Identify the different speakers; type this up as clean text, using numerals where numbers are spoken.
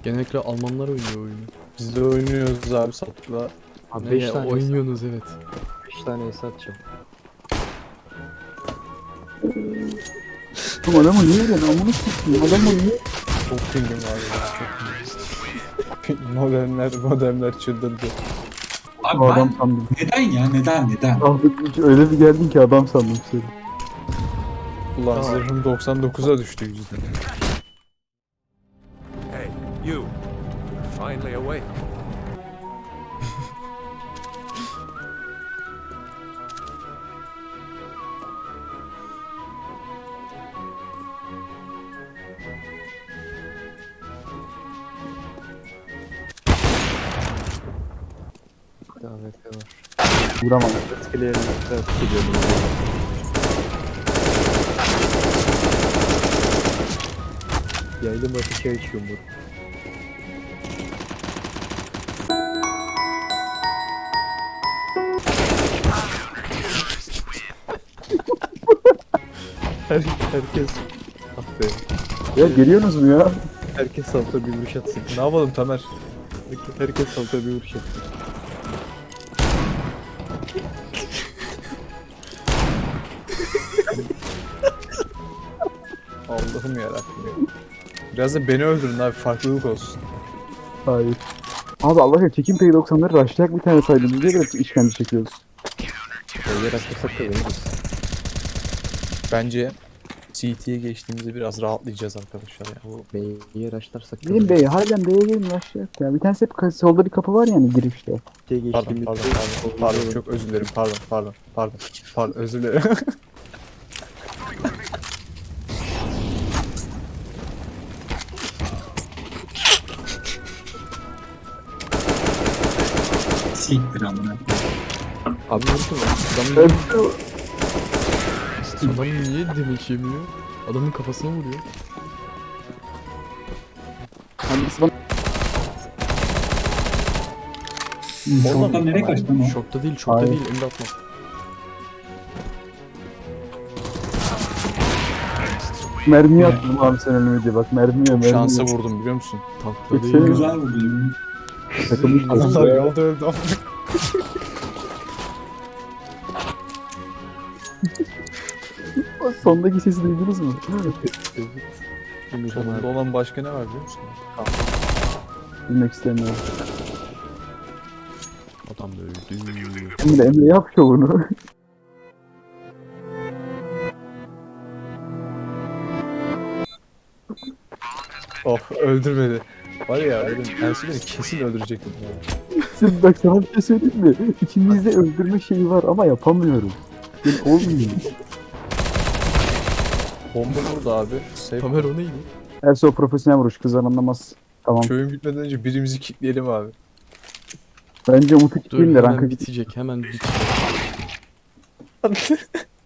Speaker 1: Genellikle Almanlar oynuyor oyunu.
Speaker 2: Biz de oynuyoruz abi Sattık'la.
Speaker 3: Abi
Speaker 1: Ne
Speaker 3: 5
Speaker 1: ya,
Speaker 3: tane
Speaker 1: oynuyorsunuz evet.
Speaker 3: 5 tane es atacağım.
Speaker 4: Oğlum adamı niye öyle? Amına sikeyim. Adamı niye?
Speaker 2: Çok pingim var ya. Çok pingim. Modemler çıldırdı.
Speaker 5: Abi
Speaker 4: O adam
Speaker 5: ben
Speaker 4: sandım.
Speaker 5: neden?
Speaker 4: Ahmet öyle bir geldin ki adam sandım seni.
Speaker 2: Ulan zırhım 99'a düştü yüzden.
Speaker 6: Hey, you. Finally awake.
Speaker 3: Davet var.
Speaker 4: Vuramam.
Speaker 3: Etkileyelim. Etkiliyorum. Yaylım ateşi açıyorum bu. Herkes ah be.
Speaker 4: Ya geliyorsunuz mu ya?
Speaker 3: Herkes salta bir vuruş atsın.
Speaker 2: Ne yapalım Tamer?
Speaker 3: Herkes salta bir vuruş atsın.
Speaker 2: Allah'ım yarabbim ya. Biraz da beni öldürün abi, farklılık olsun.
Speaker 4: Hayır. Abi Allah aşkına çekim P90'ları rushlayak bir tane saydınız diye biraz işkence çekiyoruz.
Speaker 3: Yer atlasak da veririz.
Speaker 2: Bence CT'ye geçtiğimizde biraz rahatlayacağız arkadaşlar ya.
Speaker 3: Bu B'ye raşlarsak da
Speaker 4: Gelin B'ye, harbiden B'ye gelin rushlayak ya. Bir tanesi hep solda bir kapı var yani girişte.
Speaker 3: B'ye
Speaker 2: Pardon,
Speaker 3: geçtiğimizde
Speaker 2: pardon, çok özür dilerim, pardon, özür dilerim.
Speaker 5: Siktir amına.
Speaker 3: Abi vursun lan.
Speaker 1: Adam niye demek yemiyor? Adamın kafasına vuruyor.
Speaker 4: Hangisi bana?
Speaker 5: Oradan nereye kaçtı lan o?
Speaker 1: Şokta değil, şokta
Speaker 4: Hayır.
Speaker 1: değil. Emre atma.
Speaker 4: Mermiye attım abi sen önüme diye bak mermiye
Speaker 2: Şansa vurdum biliyor musun?
Speaker 1: Tankta
Speaker 4: Hiç
Speaker 1: değil.
Speaker 4: sevmiyorum.
Speaker 5: Güzel vurdu yemin.
Speaker 4: Takılmış
Speaker 2: Adamlar yolda öldü ama.
Speaker 4: Sondaki sesi duydunuz mu?
Speaker 2: Sonunda olan başka ne var biliyor musun?
Speaker 4: Bilmek istemiyorum.
Speaker 1: Adam öldü.
Speaker 4: Emre yap şovunu.
Speaker 2: Oh, öldürmedi. Var ya dedim, Ersin beni kesin öldürecektim ya.
Speaker 4: Şimdi bak sana bir şey söyleyeyim mi? İçimizde öldürme şeyi var ama yapamıyorum. Yani olmuyor.
Speaker 2: Bomba vurdu abi. Safe.
Speaker 1: Tamer o neydi?
Speaker 4: Erse o profesyonel vuruş kızlar anlamaz. Tamam.
Speaker 2: Köyün bitmeden önce birimizi kilitleyelim abi.
Speaker 4: Bence Umut'u
Speaker 1: Dur
Speaker 4: kitleyeyim de
Speaker 1: hemen
Speaker 4: ranka
Speaker 1: bitecek, hemen bitecek.